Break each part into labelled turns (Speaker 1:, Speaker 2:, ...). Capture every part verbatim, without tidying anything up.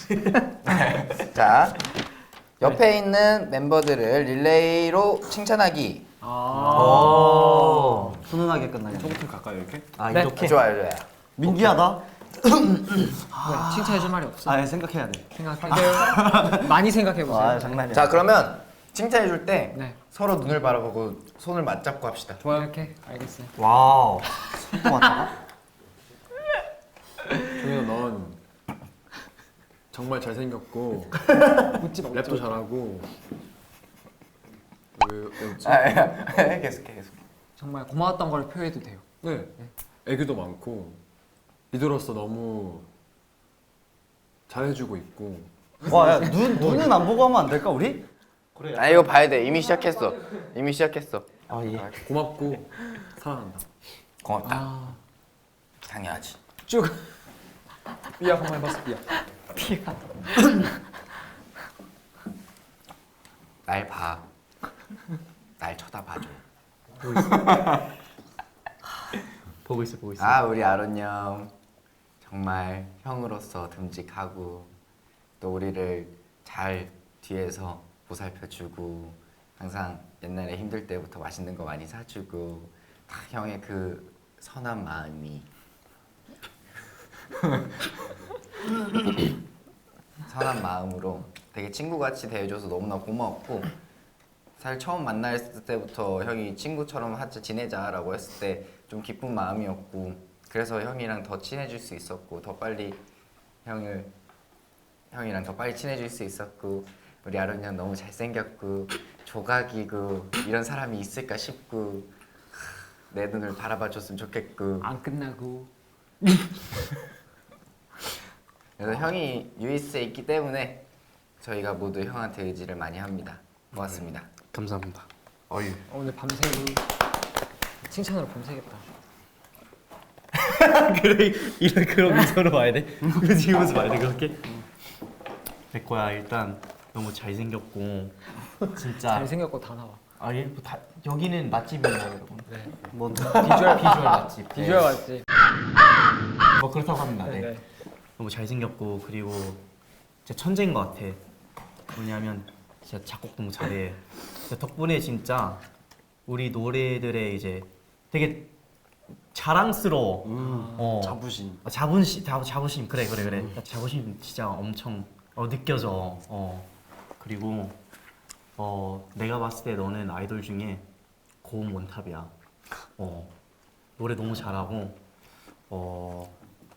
Speaker 1: 자, 옆에 있는 멤버들을 릴레이로 칭찬하기.
Speaker 2: 아.
Speaker 3: 훈훈하게 끝나겠네.
Speaker 2: 처음부터 갈까요 이렇게?
Speaker 3: 아
Speaker 4: 네.
Speaker 3: 이렇게?
Speaker 1: 좋아요, 좋아요.
Speaker 3: 민기하다.
Speaker 4: 아, 칭찬해줄 말이 없어.
Speaker 3: 아 생각해야 돼.
Speaker 4: 생각해. 많이 생각해 보세요.
Speaker 3: 아 장난이야.
Speaker 1: 자, 그러면 칭찬해줄 때
Speaker 4: 네.
Speaker 1: 서로 눈을 바라보고 손을 맞잡고 합시다.
Speaker 4: 좋아요. 이렇게 알겠어요.
Speaker 3: 와우. 또 왔다가?
Speaker 2: 종현아 넌 정말 잘생겼고
Speaker 4: 웃지 마.
Speaker 2: 랩도 잘하고 왜 왜였지?
Speaker 1: 아, 예. 계속해, 계속.
Speaker 4: 정말 고마웠던 걸 표해도 돼요.
Speaker 2: 네. 애교도 많고 리더로서 너무 잘해주고 있고.
Speaker 3: 와, 야, 눈 눈은 안 보고 하면 안 될까 우리?
Speaker 1: 아, 이거 봐야 돼. 이미 시작했어. 이미 시작했어.
Speaker 3: 아 예.
Speaker 2: 고맙고 사랑한다.
Speaker 1: 고맙다.
Speaker 4: 아,
Speaker 1: 당연하지.
Speaker 4: 쭉.
Speaker 2: 삐약 한번 해봤어 삐약.
Speaker 4: 피가.
Speaker 1: 날 봐. 날 쳐다봐줘.
Speaker 3: 보고 있어 보고 있어.
Speaker 1: 아, 우리 아론 형 정말 형으로서 듬직하고 또 우리를 잘 뒤에서 보살펴주고 항상 옛날에 힘들 때부터 맛있는 거 많이 사주고 다 형의 그 선한 마음이 선한 마음으로 되게 친구같이 대해줘서 너무나 고마웠고 사실 처음 만났을 때부터 형이 친구처럼 같이 지내자라고 했을 때 좀 기쁜 마음이었고 그래서 형이랑 더 친해질 수 있었고 더 빨리 형을 형이랑 더 빨리 친해질 수 있었고 우리 아론 형 너무 잘생겼고 조각이고 이런 사람이 있을까 싶고 내 눈을 바라봐줬으면 좋겠고
Speaker 4: 안 끝나고.
Speaker 1: 그래서 형이 유이스에 있기 때문에 저희가 모두 형한테 의지를 많이 합니다. 고맙습니다.
Speaker 3: 감사합니다.
Speaker 1: 어유.
Speaker 4: 오늘 밤새고 칭찬으로 밤새겠다.
Speaker 3: 그래 이런 그런 미소로 봐야 돼? 그지 이러면서 봐야 돼 그렇게? 백호야 일단 너무 잘생겼고 진짜
Speaker 4: 잘생겼고 다 나와.
Speaker 3: 아예 뭐 다 여기는 맛집이에요 여러분.
Speaker 4: 네.
Speaker 3: 뭐 비주얼 비주얼 맛집.
Speaker 4: 비주얼 맞지?
Speaker 3: 뭐 그렇다고 합니다. 네.
Speaker 4: 네.
Speaker 3: 너무 잘생겼고 그리고 진짜 천재인 것 같아. 뭐냐면 진짜 작곡 너무 잘해. 진짜 덕분에 진짜 우리 노래들의 이제 되게 자랑스러워.
Speaker 2: 음.
Speaker 3: 어.
Speaker 2: 자부심.
Speaker 3: 아, 자부심, 자, 자부심 그래 그래 그래. 자부심 진짜 엄청 어, 느껴져. 어 그리고 어 내가 봤을 때 너는 아이돌 중에 고음 원탑이야. 어 노래 너무 잘하고 어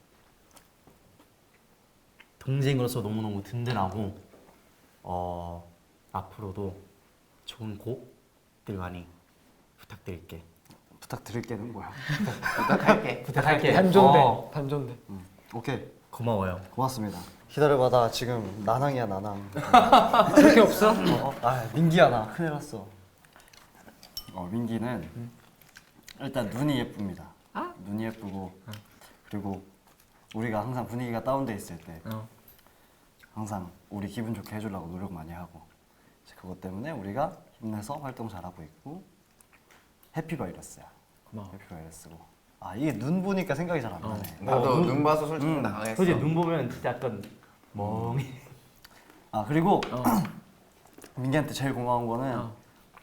Speaker 3: 동생으로서 너무 너무 든든하고 어 앞으로도 좋은 곡들 많이 부탁드릴게.
Speaker 2: 부탁드릴게는 뭐야?
Speaker 1: 부탁할게.
Speaker 3: 부탁할게.
Speaker 4: 반존대.
Speaker 3: 어,
Speaker 4: 반존대.
Speaker 2: 오케이
Speaker 3: 고마워요.
Speaker 2: 고맙습니다. 기다려봐다 지금 나낭이야 나낭.
Speaker 4: 그렇게 없어?
Speaker 2: 어, 아 민기야 나 큰일 났어. 어 민기는 일단 눈이 예쁩니다.
Speaker 4: 아?
Speaker 2: 눈이 예쁘고 그리고 우리가 항상 분위기가 다운돼 있을 때
Speaker 4: 어.
Speaker 2: 항상 우리 기분 좋게 해주려고 노력 많이 하고 이제 그것 때문에 우리가 힘내서 활동 잘하고 있고 해피바이러스야.
Speaker 4: 고마워.
Speaker 2: 해피바이러스고 아 이게 눈 보니까 생각이 잘 안 나네.
Speaker 1: 나도
Speaker 3: 눈-
Speaker 1: 눈 봐서 솔직히
Speaker 2: 음.
Speaker 1: 당황했어.
Speaker 3: 솔직히 눈 보면 진짜 약간 멍해.
Speaker 2: 아 그리고
Speaker 4: 어.
Speaker 2: 민기한테 제일 고마운 거는
Speaker 4: 어.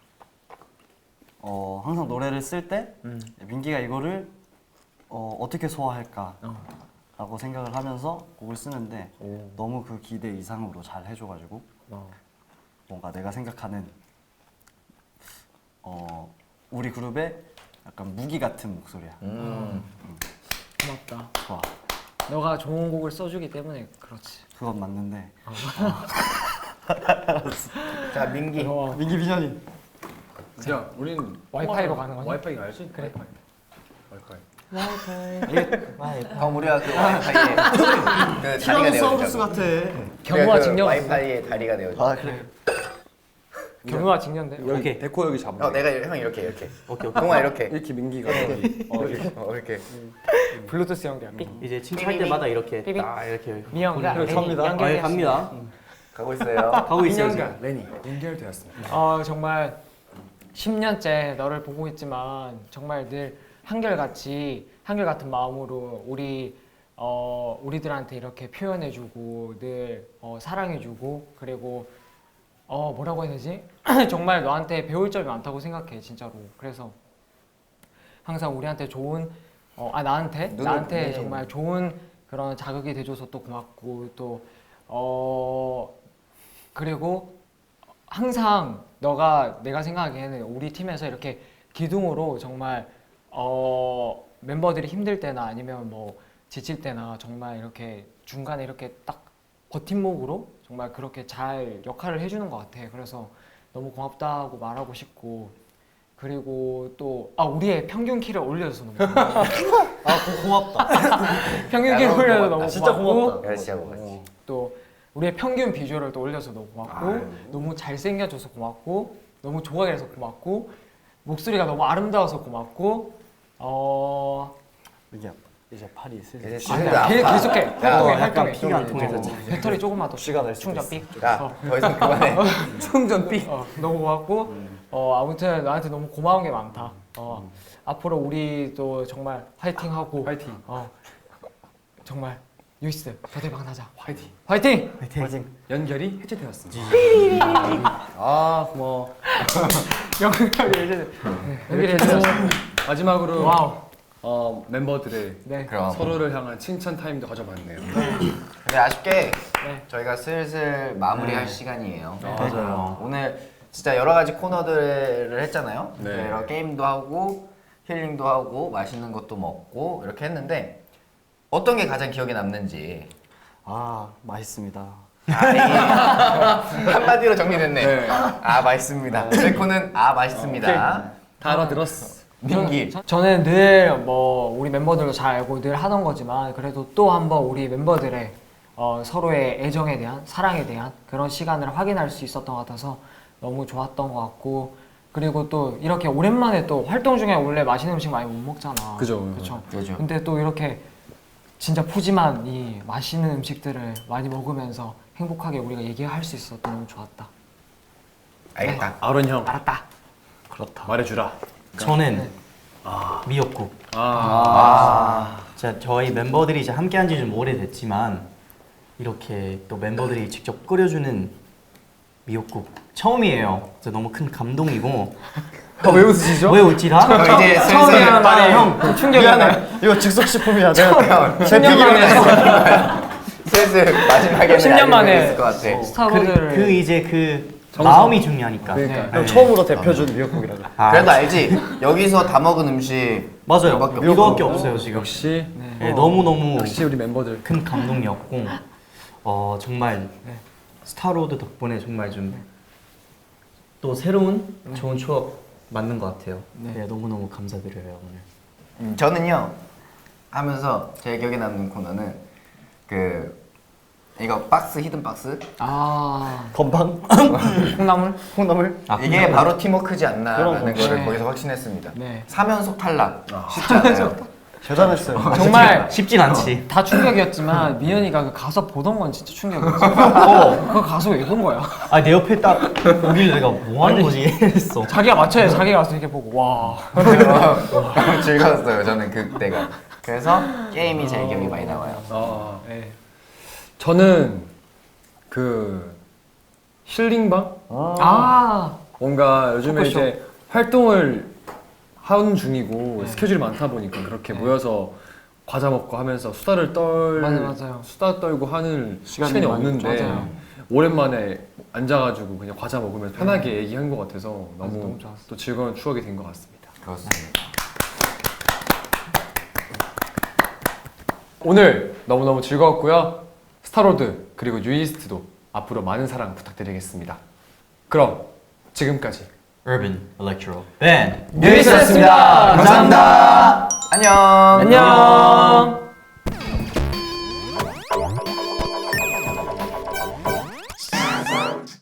Speaker 2: 어 항상 노래를 쓸 때
Speaker 4: 음.
Speaker 2: 민기가 이거를 어, 어떻게 소화할까
Speaker 4: 어.
Speaker 2: 라고 생각을 하면서 곡을 쓰는데
Speaker 4: 오.
Speaker 2: 너무 그 기대 이상으로 잘 해줘가지고
Speaker 4: 어.
Speaker 2: 뭔가 내가 생각하는 어 우리 그룹의 약간 무기 같은 목소리야.
Speaker 1: 음.
Speaker 4: 고맙다.
Speaker 2: 좋아.
Speaker 4: 너가 좋은 곡을 써주기 때문에 그렇지.
Speaker 2: 그건 맞는데
Speaker 1: 자, 민기.
Speaker 4: 고마워.
Speaker 2: 민기 비전이
Speaker 5: 야, 우린
Speaker 4: 와이파이로 가는 거니?
Speaker 5: 와이파이 알지?
Speaker 4: 그래.
Speaker 5: 와이파이.
Speaker 1: 그럼 우리가 그 와이파이에 그 다리가
Speaker 2: 티라노사우루스
Speaker 1: 되어주자.
Speaker 2: 같아.
Speaker 4: 경우와
Speaker 1: 그
Speaker 4: 직녀.
Speaker 1: 와이파이에 다리가 되어줘.
Speaker 2: 아 그래.
Speaker 4: 경우와 직녀인데.
Speaker 5: 이렇게 데코 여기 잡아.
Speaker 1: 어, 내가 형 이렇게 이렇게.
Speaker 3: 오케이 오케이.
Speaker 1: 동아 이렇게.
Speaker 5: 이렇게 민기가.
Speaker 1: 어, 이렇게. 어, 이렇게.
Speaker 4: 블루투스 연결. 삑.
Speaker 3: 이제 칭찬할 때마다 이렇게
Speaker 4: 삐삐.
Speaker 3: 딱 이렇게
Speaker 4: 미영과
Speaker 3: 그렇게
Speaker 4: 레니
Speaker 3: 합니다. 아, 예,
Speaker 4: 연결되었습니다.
Speaker 3: 갑니다.
Speaker 1: 가고 있어요.
Speaker 3: 가고 있어요. 지금.
Speaker 5: 민영과 레니 연결되었습니다.
Speaker 4: 어 정말 십 년째 너를 보고 있지만 정말 늘 한결같이 한결같은 마음으로 우리 어, 우리들한테 이렇게 표현해주고 늘 어, 사랑해주고 그리고 어, 뭐라고 해야 되지? 정말 너한테 배울 점이 많다고 생각해 진짜로. 그래서 항상 우리한테 좋은 어, 아 나한테
Speaker 1: 눈을
Speaker 4: 나한테
Speaker 1: 보내.
Speaker 4: 정말 좋은 그런 자극이 돼줘서 또 고맙고 또 어 그리고 항상 너가 내가 생각하기에는 우리 팀에서 이렇게 기둥으로 정말 어 멤버들이 힘들 때나 아니면 뭐 지칠 때나 정말 이렇게 중간에 이렇게 딱 버팀목으로 정말 그렇게 잘 역할을 해주는 것 같아. 그래서 너무 고맙다고 말하고 싶고 그리고 또 아 우리의 평균 키를 올려줘서 너무 고마워.
Speaker 2: 아 고, 고맙다.
Speaker 4: 평균
Speaker 1: 야,
Speaker 4: 키를
Speaker 1: 너무
Speaker 4: 올려서
Speaker 1: 고맙다.
Speaker 4: 너무
Speaker 2: 진짜
Speaker 4: 고맙고
Speaker 2: 고맙다.
Speaker 1: 야, 진짜 고맙지.
Speaker 4: 또 우리의 평균 비주얼을 또 올려서 너무 고맙고
Speaker 1: 아유.
Speaker 4: 너무 잘생겨줘서 고맙고 너무 좋아해 서 고맙고 목소리가 너무 아름다워서 고맙고 어
Speaker 2: 이게 이제 팔이 슬슬
Speaker 1: 이제
Speaker 2: 시-
Speaker 1: 진짜
Speaker 4: 아니야 계-
Speaker 1: 아파.
Speaker 4: 계속해 활동해
Speaker 2: 약간
Speaker 4: 활동해
Speaker 2: 피가 안 통해서
Speaker 4: 어,
Speaker 2: 지금.
Speaker 4: 배터리 조금만 더
Speaker 2: 시간 낼 수도
Speaker 4: 충전
Speaker 2: 있어.
Speaker 4: 삑
Speaker 1: 야, 더 이상 그만해.
Speaker 5: 충전 삐.
Speaker 4: 어, 너무 고맙고 어 아무튼 나한테 너무 고마운 게 많다. 어 앞으로 우리도 정말 화이팅하고
Speaker 5: 파이팅.
Speaker 4: 어 정말 유이스 더 대박 나자.
Speaker 5: 파이팅.
Speaker 4: 화이팅!
Speaker 2: 화이팅.
Speaker 5: 연결이 해제되었습니다.
Speaker 2: 아 고마워.
Speaker 4: 연결이 이제 연결이
Speaker 5: 이렇게
Speaker 4: 해줘.
Speaker 5: 해서 마지막으로
Speaker 4: 와우.
Speaker 5: 어, 멤버들의
Speaker 4: 네.
Speaker 1: 그럼.
Speaker 5: 서로를 향한 칭찬 타임도 가져봤네요.
Speaker 1: 근데 아쉽게
Speaker 4: 네.
Speaker 1: 저희가 슬슬 마무리할
Speaker 3: 네.
Speaker 1: 시간이에요.
Speaker 3: 맞아요.
Speaker 1: 오늘 진짜 여러 가지 코너들을 했잖아요.
Speaker 5: 네.
Speaker 1: 여러 게임도 하고 힐링도 하고 맛있는 것도 먹고 이렇게 했는데 어떤 게 가장 기억에 남는지
Speaker 2: 아 맛있습니다.
Speaker 1: 아, 이게 한마디로 정리됐네.
Speaker 5: 네.
Speaker 1: 아 맛있습니다. 제코는 아 맛있습니다.
Speaker 5: 다 알아들었어.
Speaker 1: 민기
Speaker 4: 저- 저는 늘 뭐 우리 멤버들도 잘 알고 늘 하던 거지만 그래도 또 한번 우리 멤버들의 어, 서로의 애정에 대한 사랑에 대한 그런 시간을 확인할 수 있었던 것 같아서 너무 좋았던 것 같고 그리고 또 이렇게 오랜만에 또 활동 중에 원래 맛있는 음식 많이 못 먹잖아.
Speaker 5: 그죠.
Speaker 4: 그렇죠.
Speaker 1: 그죠.
Speaker 4: 근데 또 이렇게 진짜 푸짐한 이 맛있는 음식들을 많이 먹으면서 행복하게 우리가 얘기할 수 있어서 너무 좋았다.
Speaker 1: 알겠다.
Speaker 5: 아론 형
Speaker 4: 알았다.
Speaker 2: 그렇다.
Speaker 5: 말해주라.
Speaker 3: 저는 미역국.
Speaker 5: 아.
Speaker 3: 진짜 저희 멤버들이 이제 함께한 지 좀 오래됐지만 이렇게 또 멤버들이 직접 끓여주는 미역국 처음이에요. 그래서 너무 큰 감동이고.
Speaker 5: 아, 왜 웃으시죠?
Speaker 3: 왜 웃지라?
Speaker 1: 저 이제 슬슬
Speaker 4: 처음이라는 말이
Speaker 3: 형
Speaker 4: 충격이야.
Speaker 2: 이거 즉석 식품이야. 내가
Speaker 4: 십 년 만에
Speaker 1: 슬슬 마지막에는
Speaker 4: 십 년
Speaker 1: 알게
Speaker 4: 만에
Speaker 1: 됐을 것 같아.
Speaker 3: 그,
Speaker 4: 스타로드를
Speaker 3: 그 이제 그
Speaker 5: 정성.
Speaker 3: 마음이 중요하니까.
Speaker 5: 그러니까.
Speaker 2: 형 처음으로 대표준 미역국이라고.
Speaker 3: 아,
Speaker 1: 그래도 알지? 여기서 다 먹은 음식
Speaker 3: 맞아요.
Speaker 1: 이거밖에
Speaker 3: 이거밖에
Speaker 1: 없어.
Speaker 3: 없어요 지금.
Speaker 5: 역시
Speaker 3: 네, 너무 너무
Speaker 5: 역시 우리 멤버들.
Speaker 3: 큰 감동이었고 어 정말
Speaker 4: 네.
Speaker 3: 스타로드 덕분에 정말 좀 또 새로운 좋은 추억 만든 것 같아요.
Speaker 4: 네.
Speaker 3: 네, 너무 너무 감사드려요 오늘.
Speaker 1: 음, 저는요 하면서 제일 기억에 남는 코너는 그 이거 박스 히든 박스
Speaker 4: 아
Speaker 2: 건방?
Speaker 4: 콩나물?
Speaker 2: 콩나물?
Speaker 3: 아,
Speaker 1: 이게
Speaker 3: 콩나물.
Speaker 1: 바로 팀워크지 않나라는
Speaker 2: 그런
Speaker 1: 거를
Speaker 4: 네.
Speaker 1: 거기서 확신했습니다.
Speaker 4: 네.
Speaker 1: 삼 연속 탈락 쉽지 않아요.
Speaker 2: 대단했어요.
Speaker 4: 정말
Speaker 3: 쉽진 않지.
Speaker 4: 다 충격이었지만 미연이가 그 가서 보던 건 진짜 충격이었어. 어, 그거 가서 왜 본 거야?
Speaker 3: 아 내 옆에 딱 오길래 내가 뭐 하는 거지 했어.
Speaker 4: 자기가 맞춰야 자기가 가서 이렇게 보고 와.
Speaker 1: 너무 즐거웠어요 저는 그때가. 그래서 게임이 제일 기억이 많이 남아요.
Speaker 5: 아.
Speaker 4: 네.
Speaker 5: 저는 그 힐링방?
Speaker 4: 아
Speaker 5: 뭔가 요즘에
Speaker 4: 토크쇼.
Speaker 5: 이제 활동을 하는 중이고 스케줄이 많다 보니까 그렇게
Speaker 4: 네.
Speaker 5: 모여서 과자 먹고 하면서 수다를 떨
Speaker 4: 맞아, 맞아요.
Speaker 5: 수다 떨고 하는
Speaker 2: 시간이
Speaker 5: 시간이,
Speaker 2: 많이
Speaker 5: 없는데
Speaker 4: 맞아요.
Speaker 5: 오랜만에 앉아가지고 그냥 과자 먹으면서 편하게 얘기한 것 같아서
Speaker 4: 맞아,
Speaker 5: 너무,
Speaker 4: 너무 좋았어.
Speaker 5: 또 즐거운 추억이 된 것 같습니다.
Speaker 1: 그렇습니다.
Speaker 5: 오늘 너무너무 즐거웠고요. 스타로드 그리고 유이스트도 앞으로 많은 사랑 부탁드리겠습니다. 그럼 지금까지
Speaker 3: Urban Electro Band
Speaker 4: 유이스였습니다.
Speaker 1: 감사합니다. 안녕.
Speaker 4: 안녕.